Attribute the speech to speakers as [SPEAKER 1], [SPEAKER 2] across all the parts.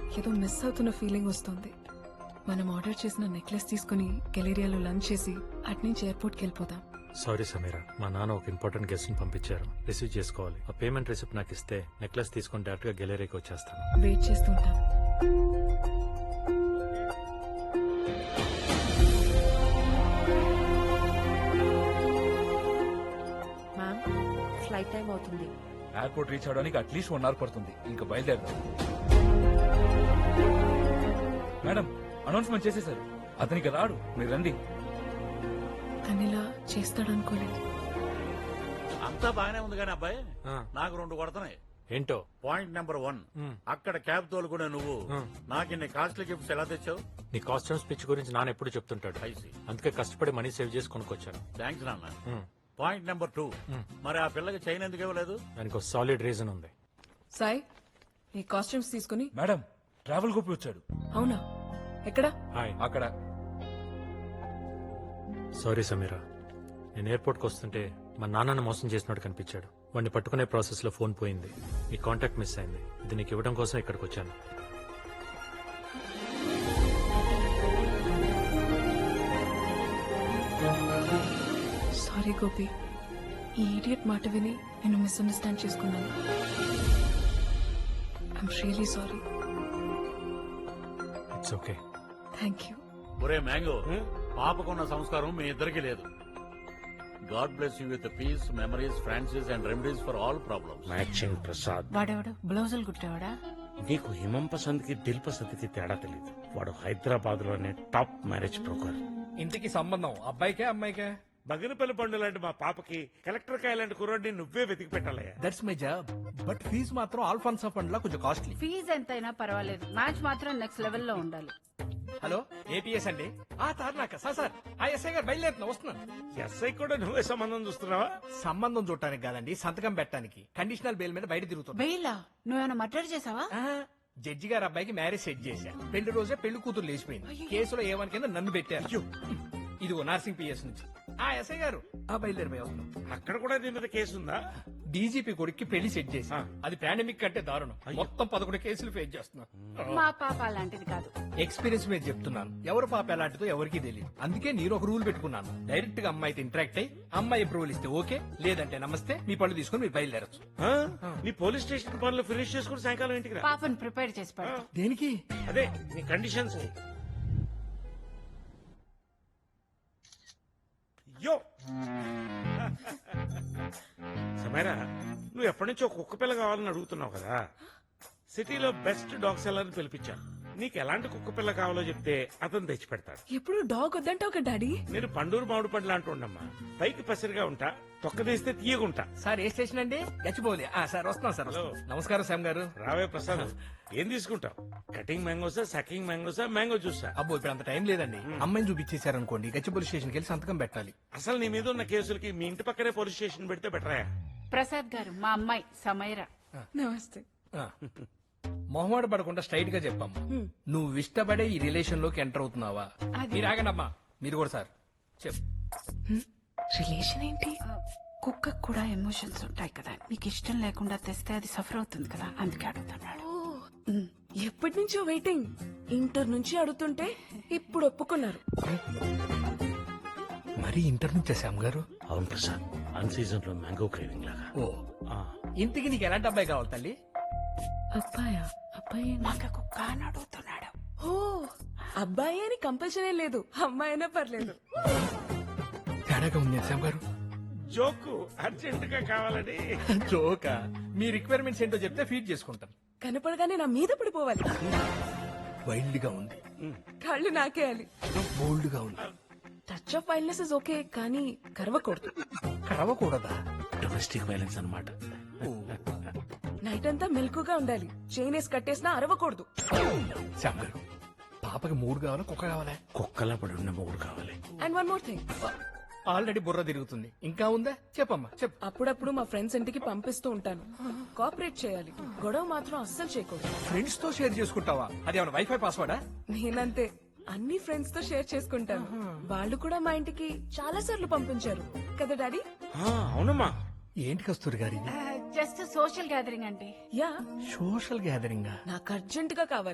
[SPEAKER 1] ఏదో మిస్ అవుతున్న ఫీలింగ్ వస్తుంది. మనం ఆర్డర్ చేసిన నెక్లెస్ తీసుకుని గెలేరియాలో లంచ్ చేసి అట్నుంచి ఎయిర్పోర్ట్కి వెళ్ళిపోదాం.
[SPEAKER 2] సారీ సమీరా, మా నాన్న ఒక ఇంపార్టెంట్ గెస్ట్ ని పంపించారు, రిసీవ్ చేసుకోవాలి. ఆ పేమెంట్ రిసిప్ట్ నాకు ఇస్తే నెక్లెస్ తీసుకుని డైరెక్ట్ గా గెలేరీకి వచ్చేస్తాను.
[SPEAKER 1] వెయిట్ చేస్తుంటాం. మ్యామ్, ఫ్లైట్ టైం అవుతుంది.
[SPEAKER 3] ఎయిర్పోర్ట్ రీచ్ అవడానికి అట్లీస్ట్ 1 hour పడుతుంది. ఇంకా బయలుదేరదాం. మేడం, అనౌన్స్మెంట్ చేసేసారు. అతనికి రాడు, మీరు రండి.
[SPEAKER 1] తనిలా చేస్తాడనుకోలేదు.
[SPEAKER 4] అంతా బాగానే ఉంది కానీ అబ్బాయి
[SPEAKER 2] ఆ.
[SPEAKER 4] నాకు 2 కొడుతున్నాయి.
[SPEAKER 2] ఏంటో?
[SPEAKER 4] పాయింట్ నెంబర్ 1, అక్కడ క్యాబ్ తోలుకునే నువ్వు నాకు ఇన్ని కాస్ట్లీ గిఫ్ట్స్ ఎలా తెచ్చావు?
[SPEAKER 2] నీ కాస్ట్యూమ్ స్పిచ్ గురించి నాన్న ఎప్పుడు చెప్తుంటాడు,
[SPEAKER 4] ఐసి.
[SPEAKER 2] అందుకే కష్టపడి మనీ సేవ్ చేసి కొనుక్కొచ్చాను.
[SPEAKER 4] థ్యాంక్స్ నాన్న. పాయింట్ నెంబర్ 2, మరి ఆ పిల్లకి చైన్ ఎందుకు ఇవ్వలేదు?
[SPEAKER 2] దానికి ఒక సాలిడ్ రీజన్ ఉంది.
[SPEAKER 1] సాయి, ఈ కాస్ట్యూమ్స్ తీసుకుని.
[SPEAKER 3] మేడం, ట్రావెల్ గోపి వచ్చాడు.
[SPEAKER 1] అవునా? ఎక్కడ?
[SPEAKER 2] హాయ్.
[SPEAKER 3] అక్కడ.
[SPEAKER 2] సారీ సమీరా, నేను ఎయిర్పోర్ట్కి వస్తుంటే మా నాన్నను మోసం చేసినట్టు కనిపించాడు. వాడిని పట్టుకునే ప్రాసెస్ లో ఫోన్ పోయింది, నీ కాంటాక్ట్ మిస్ అయింది. ఇది నీకు ఇవ్వడం కోసం ఇక్కడికి వచ్చాను.
[SPEAKER 1] సారీ గోపి, ఈ ఈడియట్ మాట విని నేను మిస్అండర్స్టాండ్ చేసుకున్నాను. I'm really sorry.
[SPEAKER 2] It's okay.
[SPEAKER 1] Thank you.
[SPEAKER 4] ఒరే మ్యాంగో, పాపకున్న సంస్కారం మీ ఇద్దరికి లేదు. God bless you with peace, memories, Francis and remedies for all problems.
[SPEAKER 5] Matching Prasad.
[SPEAKER 6] వాడెవడు బ్లౌజులు కుట్టేవాడా?
[SPEAKER 5] నీకు హిమం పసంద్ కి దిల్ పసంద్ కి తేడా తెలియదు. వాడు హైదరాబాద్ లోనే టాప్ మ్యారేజ్ బ్రోకర్.
[SPEAKER 7] ఇంటికి సంబంధం అబ్బాయికే అమ్మాయికే?
[SPEAKER 5] బగినపల్లి పండు లాంటి మా పాపకి కలెక్టర్ కాయ లాంటి కుర్రాడిని నువ్వే వెతికి పెట్టాలయ్యా.
[SPEAKER 7] That's my job. But fees మాత్రం ఆల్ఫాన్సా ఫండ్ లా కొంచెం కాస్ట్లీ.
[SPEAKER 6] ఫీజు ఎంతైనా పర్వాలేదు, మ్యాచ్ మాత్రం నెక్స్ట్ లెవెల్లో ఉండాలి.
[SPEAKER 7] హలో, ఏపీఎస్ అండి. తార్నాక సార్ ఆ ఎస్ఐ గారు బయలుదేరుతున్నా, వస్తున్నాను.
[SPEAKER 5] ఎస్ఐ కూడా నువ్వే సంబంధం చూస్తున్నావా?
[SPEAKER 7] సంబంధం చూడటానికి కాదండి, సంతకం పెట్టడానికి. కండిషనల్ బెయిల్ మీద బయట తిరుగుతున్నా.
[SPEAKER 6] బెయిలా? నువ్వేమైనా మర్డర్ చేసావా?
[SPEAKER 7] జడ్జి గారు అబ్బాయికి మ్యారేజ్ సెట్ చేశా. పెళ్లి రోజే పెళ్లి కూతురు లేచిపోయింది. కేసులో ఏమని కింద నన్ను పెట్టారు. ఇదిగో నర్సింగ్ పిఎస్ నుంచి. ఎస్ఐ గారు బయలుదేరిపోయి వస్తున్నాం.
[SPEAKER 5] అక్కడ కూడా నీ మీద కేసు ఉందా?
[SPEAKER 7] డీజీపీ కొడుక్కి పెళ్లి సెట్ చేసి అది పాండమిక్ కంటే దారుణం. మొత్తం 11 కేసులు ఫేస్ చేస్తున్నాం.
[SPEAKER 6] మా పాప అలాంటిది కాదు.
[SPEAKER 7] ఎక్స్పీరియన్స్ మీద చెప్తున్నాను. ఎవరు పాప ఎలాంటిదో ఎవరికి తెలియదు. అందుకే నేను ఒక రూల్ పెట్టుకున్నాను. డైరెక్ట్ గా అమ్మాయితో ఇంటరాక్ట్ అయ్యి అమ్మాయి అప్రూవల్ ఇస్తే ఓకే, లేదంటే నమస్తే, మీ పళ్ళు తీసుకుని మీరు బయలుదేరచ్చు.
[SPEAKER 5] నీ పోలీస్ స్టేషన్ పనులు ఫినిష్ చేసుకుని సాయంకాలం ఇంటికి రా.
[SPEAKER 6] పాపను ప్రిపేర్ చేసి పెడతా.
[SPEAKER 7] దేనికి?
[SPEAKER 5] అదే నీ కండిషన్స్. యో సమీరా, నువ్వు ఎప్పటి నుంచో కుక్క పిల్ల కావాలని అడుగుతున్నావు కదా. సిటీలో బెస్ట్ డాగ్ సెల్లర్ని పిలిపించాను. నీకు ఎలాంటి కుక్క పిల్ల కావాలో చెప్తే అతను తెచ్చి పెడతాడు.
[SPEAKER 1] ఎప్పుడు డాగ్ వద్దంటే ఒక డాడీ.
[SPEAKER 5] నేను పండూరు మామిడి పండ్లు అంటూ ఉండమ్మా. పైకి పసిరిగా ఉంటా, తొక్క తీస్తే తీయగుంటా.
[SPEAKER 7] సార్ ఏ స్టేషన్ అండి? గచ్చిపోలే. సార్ వస్తున్నాం సార్.
[SPEAKER 5] హలో.
[SPEAKER 7] నమస్కారం శ్యామ్ గారు.
[SPEAKER 5] రావే ప్రసాద్, ఏం తీసుకుంటావు? కటింగ్ మ్యాంగోసా, సకింగ్ మ్యాంగోసా, మ్యాంగో జ్యూసా?
[SPEAKER 7] అబ్బో, ఇప్పుడు అంత టైం లేదండి. అమ్మాయిని చూపించేశారనుకోండి, గచ్చిపోలి స్టేషన్కి వెళ్ళి సంతకం పెట్టాలి.
[SPEAKER 5] అసలు నీ మీద ఉన్న కేసులకి మీ ఇంటి పక్కనే పోలీస్ స్టేషన్ పెడితే బెటరా?
[SPEAKER 6] ప్రసాద్ గారు, మా అమ్మాయి సమైరా.
[SPEAKER 1] నమస్తే.
[SPEAKER 7] మొహమాట పడకుండా స్ట్రైట్ గా చెప్పమ్మా, నువ్వు ఇష్టపడే ఈ రిలేషన్ లోకి ఎంటర్ అవుతున్నావా? మీరు ఆగండమ్మా, మీరు కూడా సార్ చెప్పు.
[SPEAKER 1] రిలేషన్ ఏంటి?
[SPEAKER 6] కుక్కకు కూడా ఎమోషన్స్ ఉంటాయి కదా, నీకు ఇష్టం లేకుండా తెస్తే అది సఫర్ అవుతుంది కదా, అందుకే అడుగుతున్నాడు.
[SPEAKER 1] ఎప్పటి నుంచో వెయిటింగ్. ఇంటర్ నుంచి అడుగుతుంటే ఇప్పుడు ఒప్పుకున్నారు.
[SPEAKER 7] మరి ఇంటర్ నుంచే శ్యామ్ గారు?
[SPEAKER 5] అవును ప్రసాద్, అన్ సీజన్ లో మ్యాంగో క్రేవింగ్ లాగా.
[SPEAKER 7] ఓ, ఇంటికి నీకు ఎలాంటి అబ్బాయి కావాలి తల్లి?
[SPEAKER 1] అబ్బాయా? అబ్బాయి
[SPEAKER 6] మాకు కుక్క అని అడుగుతున్నాడు.
[SPEAKER 1] ఓ, అబ్బాయి అని కంపల్సరీ లేదు, అమ్మాయి అయినా పర్లేదు.
[SPEAKER 7] తేడాగా ఉంది శ్యామ్ గారు.
[SPEAKER 5] జోకు అర్జెంట్ గా కావాలని.
[SPEAKER 7] జోకా? మీ రిక్వైర్మెంట్స్ ఏంటో చెప్తే ఫీడ్ చేసుకుంటాను.
[SPEAKER 1] కనపడగానే నా మీద పడిపోవాలి.
[SPEAKER 7] వైల్డ్ గా ఉంది,
[SPEAKER 1] కాళ్ళు నాకేయాలి.
[SPEAKER 7] బోల్డ్ గా ఉంది.
[SPEAKER 1] Touch of wildness is okay, కానీ కరవకూడదు.
[SPEAKER 7] కరవకూడదా?
[SPEAKER 5] డొమెస్టిక్ వైలెన్స్ అన్నమాట.
[SPEAKER 1] నైట్ అంతా మెలకుగా ఉండాలి. చైన్ వేసి కట్టేసినా అరవకూడదు.
[SPEAKER 7] శ్యామ్ గారు, పాపకి 3 కావాలా, కుక్క కావాలా?
[SPEAKER 5] కుక్కలా పడి ఉన్న మొగుడు కావాలి.
[SPEAKER 1] And one more thing,
[SPEAKER 7] already బుర్ర తిరుగుతుంది, ఇంకా ఉందా? చెప్పమ్మా చెప్పు.
[SPEAKER 1] అప్పుడప్పుడు మా ఫ్రెండ్స్ ఇంటికి పంపిస్తూ ఉంటాను. కోఆపరేట్ చేయాలి, గొడవ మాత్రం అస్సలు చేయకూడదు.
[SPEAKER 7] ఫ్రెండ్స్ తో షేర్ చేసుకుంటావా? అదేమన్నా వైఫై పాస్వర్డా?
[SPEAKER 1] నేనంతే, అన్ని ఫ్రెండ్స్ తో షేర్ చేసుకుంటాను. వాళ్ళు కూడా మా ఇంటికి చాలా సార్లు పంపించారు కదా డాడీ?
[SPEAKER 5] అవునమ్మా.
[SPEAKER 7] ఏంటి కస్తూరి గారి?
[SPEAKER 6] జస్ట్ సోషల్ గ్యాదరింగ్ అండి.
[SPEAKER 1] Yeah,
[SPEAKER 7] social gathering.
[SPEAKER 1] నాకు అర్జెంట్ గా కావాలి.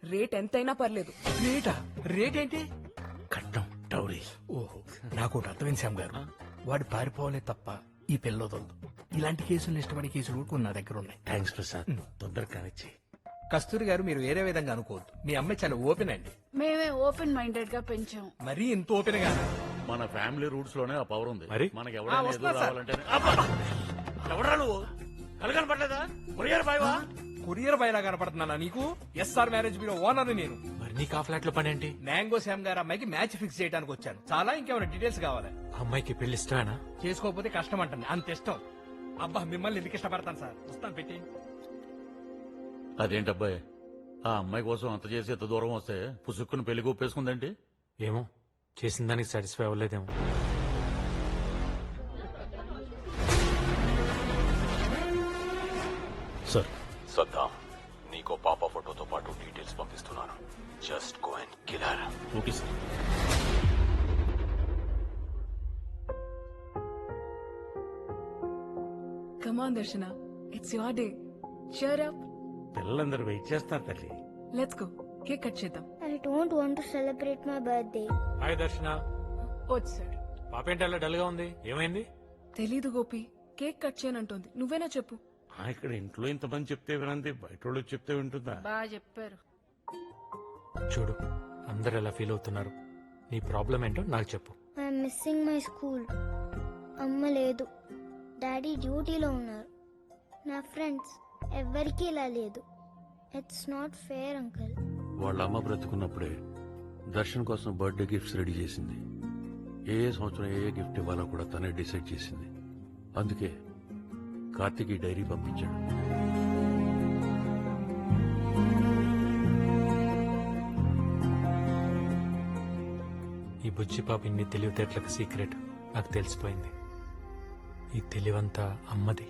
[SPEAKER 1] రేట్ ఎంతైనా పర్లేదు.
[SPEAKER 7] రేటా? రేట్ ఏంటి?
[SPEAKER 5] కట్నం డౌరీ.
[SPEAKER 7] ఓహో, నాకు ఒకటి అర్థమైంది శ్యామ్ గారు. వాడు పారిపోవాలే తప్ప ఈ పిల్లదొద్దు. ఇలాంటి కేసులు ఇష్టపడే కేసులు కూడా కొన్ని నా దగ్గర ఉన్నాయి.
[SPEAKER 5] థ్యాంక్స్ ప్రసాద్, తొందరగా కానిచ్చి.
[SPEAKER 7] కస్తూరి గారు, మీరు వేరే విధంగా అనుకోవద్దు. మీ అమ్మాయి చాలా ఓపెన్ అండి.
[SPEAKER 6] మేమే ఓపెన్ మైండెడ్ గా పెంచాం.
[SPEAKER 7] మరీ ఇంత ఓపెన్ గా.
[SPEAKER 4] మన ఫ్యామిలీ రూట్స్ లోనే ఆ పవర్ ఉంది.
[SPEAKER 2] మరి?
[SPEAKER 4] మనకి ఎవరైనా
[SPEAKER 7] వస్తున్నా
[SPEAKER 4] ఎదురు
[SPEAKER 7] సార్.
[SPEAKER 4] రావాలంటే ఎవడరా నువ్వు కలగని పడలేదా? కొరియర్ బాయ్వా?
[SPEAKER 7] కొరియర్ బయలా కనపడుతున్నానా నీకు? ఎస్ఆర్ మ్యారేజ్ బ్యూరో ఓనర్ నేను.
[SPEAKER 2] మరి నీకు ఆ ఫ్లాట్ లో పని ఏంటి?
[SPEAKER 7] మ్యాంగో శ్యామ్ గారు అమ్మాయికి మ్యాచ్ ఫిక్స్ చేయడానికి వచ్చాను. చాలా ఇంకేమైనా డీటెయిల్స్ కావాలి?
[SPEAKER 2] ఆ అమ్మాయికి పెళ్లి ఇష్టమేనా?
[SPEAKER 7] చేసుకోకపోతే కష్టం అంటుంది, అంత ఇష్టం. అబ్బా, మిమ్మల్ని ఎందుకు ఇష్టపడతాను సార్. వస్తాను, పెట్టి.
[SPEAKER 4] అదేంటబ్బాయి, ఆ అమ్మాయి కోసం అంత చేసి ఎంత దూరం వస్తే పుసుక్కుని పెళ్లి ఒప్పేసుకుందంటే?
[SPEAKER 2] ఏమో, చేసిన దానికి సాటిస్ఫై అవ్వలేదేమో.
[SPEAKER 4] సార్,
[SPEAKER 8] సద్దాం, నీకో పాప ఫోటోతో పాటు డీటెయిల్స్ పంపిస్తున్నాను. Just go and kill her.
[SPEAKER 4] Okay sir.
[SPEAKER 1] Come on Darshana, it's your day. cheer up.
[SPEAKER 5] పిల్లలందరూ వెయిట్ చేస్తారు తల్లి.
[SPEAKER 1] లెట్స్ గో, కేక్ కట్ చేద్దాం.
[SPEAKER 9] I don't want to celebrate my birthday.
[SPEAKER 2] Hi Darshana.
[SPEAKER 1] వచ్చాడు.
[SPEAKER 2] పాప ఏంటి అలా డల్ గా ఉంది? ఏమైంది?
[SPEAKER 1] తెలీదు గోపి, కేక్ కట్ చేయనంటోంది. నువ్వేనా చెప్పు.
[SPEAKER 5] ఇక్కడ ఇంట్లో ఇంతమంది చెప్తే వినంది, బయట వాళ్ళు చెప్తే వింటుందా?
[SPEAKER 6] బాగా చెప్పారు.
[SPEAKER 2] చూడు, అందరు ఎలా ఫీల్ అవుతున్నారు. నీ ప్రాబ్లం ఏంటో నాకు చెప్పు.
[SPEAKER 9] I'm missing my school. అమ్మ లేదు, డాడీ డ్యూటీలో ఉన్నారు. నా ఫ్రెండ్స్ ఎవ్వరికీ ఇలా లేదు. It's not fair uncle.
[SPEAKER 8] వాళ్ళ అమ్మ బ్రతుకున్నప్పుడే దర్శన్ కోసం బర్త్డే గిఫ్ట్స్ రెడీ చేసింది. ఏ సంవత్సరం ఏ గిఫ్ట్ ఇవ్వాలో కూడా తనే డిసైడ్ చేసింది. అందుకే కార్తీక్ ఈ డైరీ పంపించాడు.
[SPEAKER 2] ఈ బుజ్జి పాప ఇన్ని తెలివితేటలకు సీక్రెట్ నాకు తెలిసిపోయింది. ఈ తెలివంతా అమ్మది.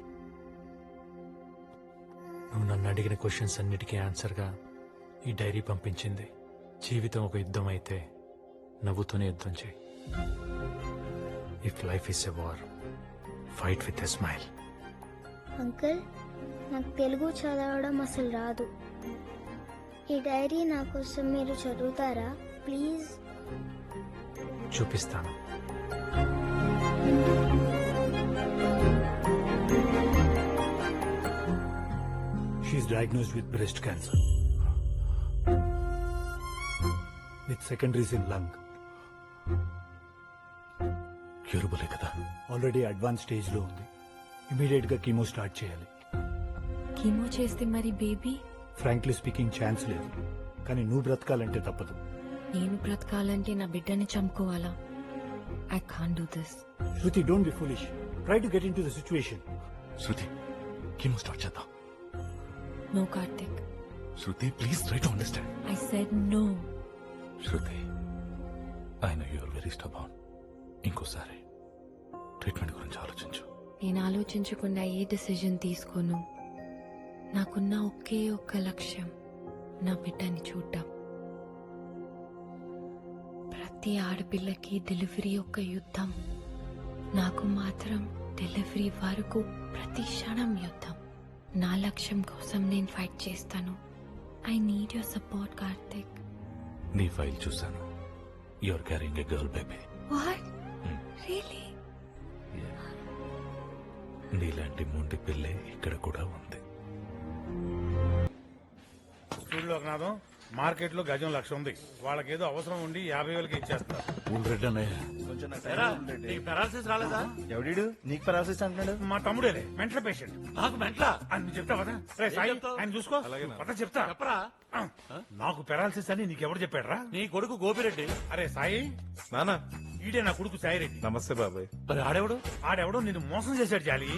[SPEAKER 2] నువ్వు నన్ను అడిగిన క్వశ్చన్స్ అన్నిటికీ ఆన్సర్గా ఈ డైరీ పంపించింది. జీవితం ఒక యుద్ధం అయితే నవ్వుతూనే యుద్ధం చేయి. If life is a war, fight with a smile.
[SPEAKER 9] Uncle, నాకు తెలుగు చదవడం అసలు రాదు. ఈ డైరీ నా కోసం మీరు చదువుతారా ప్లీజ్?
[SPEAKER 2] చూపిస్తాను.
[SPEAKER 10] She is diagnosed with breast cancer with secondaries in lung.
[SPEAKER 8] క్యూరబులే కదా?
[SPEAKER 10] ఆల్రెడీ అడ్వాన్స్ స్టేజ్ లో ఉంది. ఇమీడియట్ గా కీమో స్టార్ట్ చేయాలి.
[SPEAKER 11] కీమో చేస్తే మరి బేబీ?
[SPEAKER 10] ఫ్రాంక్లీ స్పీకింగ్ ఛాన్స్ లేదు, కానీ నువ్వు బ్రతకాలంటే తప్పదు.
[SPEAKER 11] నేను బ్రతకాలంటే నా బిడ్డని చంపుకోవాలా? I can't do this.
[SPEAKER 10] Shruti, don't be foolish. Try to get in to the situation.
[SPEAKER 8] Shruti, chemo start చేద్దాం.
[SPEAKER 11] No Karthik.
[SPEAKER 8] Shruti, please try to understand.
[SPEAKER 11] I said no.
[SPEAKER 8] Shruti, I know you are very stubborn. ఇంకోసారి ట్రీట్మెంట్ గురించి ఆలోచించు.
[SPEAKER 11] నేను ఆలోచించకుండా ఏ decision తీసుకోను. నాకున్న ఒకే ఒక్క లక్ష్యం నా బిడ్డని చూడ్డం. ప్రతి ఆడపిల్లకి డెలివరీ ఒక యుద్ధం. నాకు మాత్రం డెలివరీ వరకు ప్రతి క్షణం యుద్ధం. నా లక్ష్యం కోసం నేను ఫైట్ చేస్తాను. I need your support Karthik.
[SPEAKER 8] నీ ఫైల్ చూశాను. You are carrying a girl baby.
[SPEAKER 11] What? Really?
[SPEAKER 8] నీలాంటి మొండి పిల్లే ఇక్కడ కూడా ఉంది.
[SPEAKER 5] స్కూల్లో నాదం మార్కెట్ లో గజం 1,00,000 ఉంది. వాళ్ళకేదో అవసరం ఉండి 50,000కి ఇచ్చేస్తారు.
[SPEAKER 4] రెడ్డి అన్నయ్య, నీకు పెరాలసిస్ రాలేదా?
[SPEAKER 10] ఎవడీడు నీకు పరాసిస్ అంటున్నాడు?
[SPEAKER 5] మా తమ్ముడేలే, మెంటల్ పేషెంట్.
[SPEAKER 4] నాకు మెంట్లా?
[SPEAKER 5] అని చెప్తా కదా. రే సాయి,
[SPEAKER 4] చెప్తావు?
[SPEAKER 5] ఆయన చూసుకో. పద చెప్తా.
[SPEAKER 4] చెప్పరా?
[SPEAKER 5] నాకు పెరాలసిస్ అని నీకెవరు చెప్పాడురా?
[SPEAKER 4] నీ కొడుకు గోపిరెడ్డి.
[SPEAKER 5] అరే సాయి,
[SPEAKER 10] నానా,
[SPEAKER 5] ఈడే నా కొడుకు సాయిరెడ్డి.
[SPEAKER 10] నమస్తే బాబాయ్.
[SPEAKER 4] మరి ఆడేవాడు?
[SPEAKER 5] ఆడెవడో నిన్ను మోసం చేశాడు జాలి.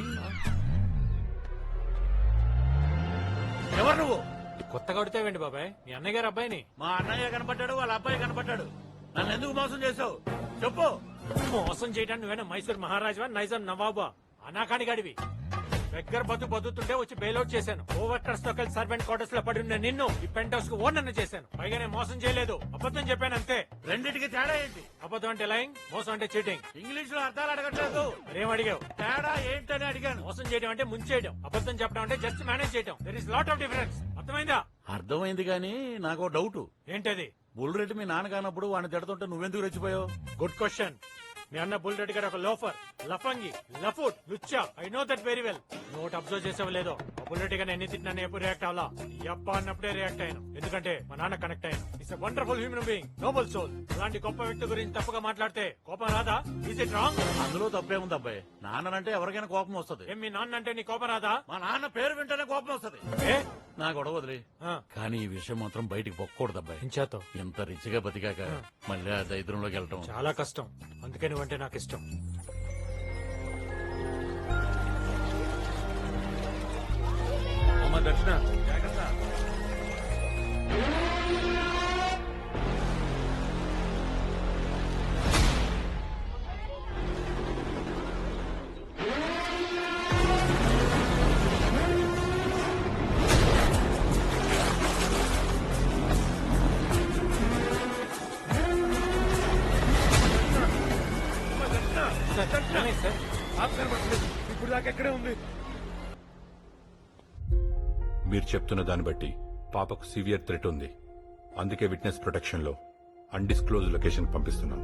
[SPEAKER 4] ఎవరు నువ్వు?
[SPEAKER 2] కొత్తగా కొడితేవేంటి బాబాయ్? మీ అన్నయ్య గారు అబ్బాయిని.
[SPEAKER 4] మా అన్నయ్య కనపడ్డాడు, వాళ్ళ అబ్బాయి కనపడ్డాడు. నన్ను ఎందుకు మోసం చేసావు చెప్పు.
[SPEAKER 2] మోసం చేయడానికి నువ్వేనా మైసూర్ మహారాజా, నైజాం నవాబా? అనాకాని గడివి. దగ్గర బతుకుతుంటే వచ్చి బెయిల్అవుట్ చేశాను. ఓవర్కర్స్ తో కలిసి సర్వెంట్ క్వార్టర్స్ లో పడి ఉన్న నిన్ను ఈ పెంట్ హౌస్ కు ఓనర్ చేశాను. పైగా నేను మోసం చేయలేదు, అబద్ధం చెప్పాను అంతే.
[SPEAKER 4] రెండింటికి తేడా ఏంటి?
[SPEAKER 2] అబద్ధం అంటే లైంగ్, మోసం అంటే చీటింగ్.
[SPEAKER 4] ఇంగ్లీష్ లో అర్థాలు అడగట్లేదు.
[SPEAKER 2] మరేం అడిగావు?
[SPEAKER 4] తేడా ఏంటని అడిగాను.
[SPEAKER 2] మోసం చేయడం అంటే ముంచేయడం, అబద్ధం చెప్పడం అంటే జస్ట్ మేనేజ్ చేయడం. There is lot of difference. అర్థమైందా?
[SPEAKER 4] అర్థమైంది కానీ నాకు డౌట్.
[SPEAKER 2] ఏంటది?
[SPEAKER 4] బుల్రెడ్డి మీ నాన్న కానప్పుడు వాడిని తిడుతుంటే నువ్వెందుకు రెచ్చిపోయావు?
[SPEAKER 2] Good question. మీ అన్న బుల్రెడ్డి గారు ఒక లోఫర్, లఫంగి, లఫుట్, లుచ్చా. I know that very well. Note observe చేసావు లేదో, ఆ బుల్రెడ్డి గారిని ఎన్ని తిట్టినా ఎప్పుడు రియాక్ట్ అవ్వాలా? యప్ప అన్నప్పుడే రియాక్ట్ అయ్యాను, ఎందుకంటే మా నాన్న కనెక్ట్ అయ్యాను. It's wonderful human being, noble soul. అలాంటి గొప్ప వ్యక్తి గురించి తప్పుగా మాట్లాడితే కోపం రాదా? Is it wrong?
[SPEAKER 4] అందులో తప్పేముంది అబ్బాయి? నాన్నంటే ఎవరికైనా కోపం వస్తుంది.
[SPEAKER 2] ఏం మీ నాన్న అంటే నీ కోపం రాదా?
[SPEAKER 4] మా నాన్న పేరు వింటేనే కోపం వస్తుంది.
[SPEAKER 2] ఏ?
[SPEAKER 4] నా గొడవ వదిలే.
[SPEAKER 2] ఆ.
[SPEAKER 4] కానీ ఈ విషయం మాత్రం బయటికి పొక్కకూడదు అబ్బాయి.
[SPEAKER 2] ఇంచేతో
[SPEAKER 4] ఇంత రిచ్గా బతికాక మళ్ళీ ఆ దరిద్రంలోకి వెళ్ళటం
[SPEAKER 2] చాలా కష్టం, అందుకే నువ్వంటే నాకు ఇష్టం.
[SPEAKER 5] అమ్మ దర్శన జాగ్రత్త. ఇప్పుడు దాకా ఎక్కడే ఉంది.
[SPEAKER 12] మీరు చెప్తున్న దాన్ని బట్టి పాపకు సివియర్ థ్రెట్ ఉంది. అందుకే విట్నెస్ ప్రొటెక్షన్ లో అన్డిస్క్లోజ్ లొకేషన్ పంపిస్తున్నాం.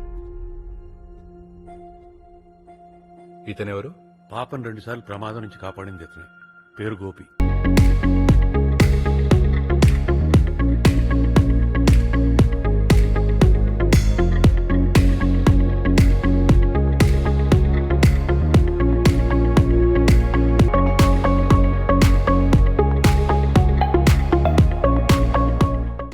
[SPEAKER 12] ఇతనెవరు?
[SPEAKER 8] పాపను 2 సార్లు ప్రమాదం నుంచి కాపాడింది ఇతనే. పేరు గోపి.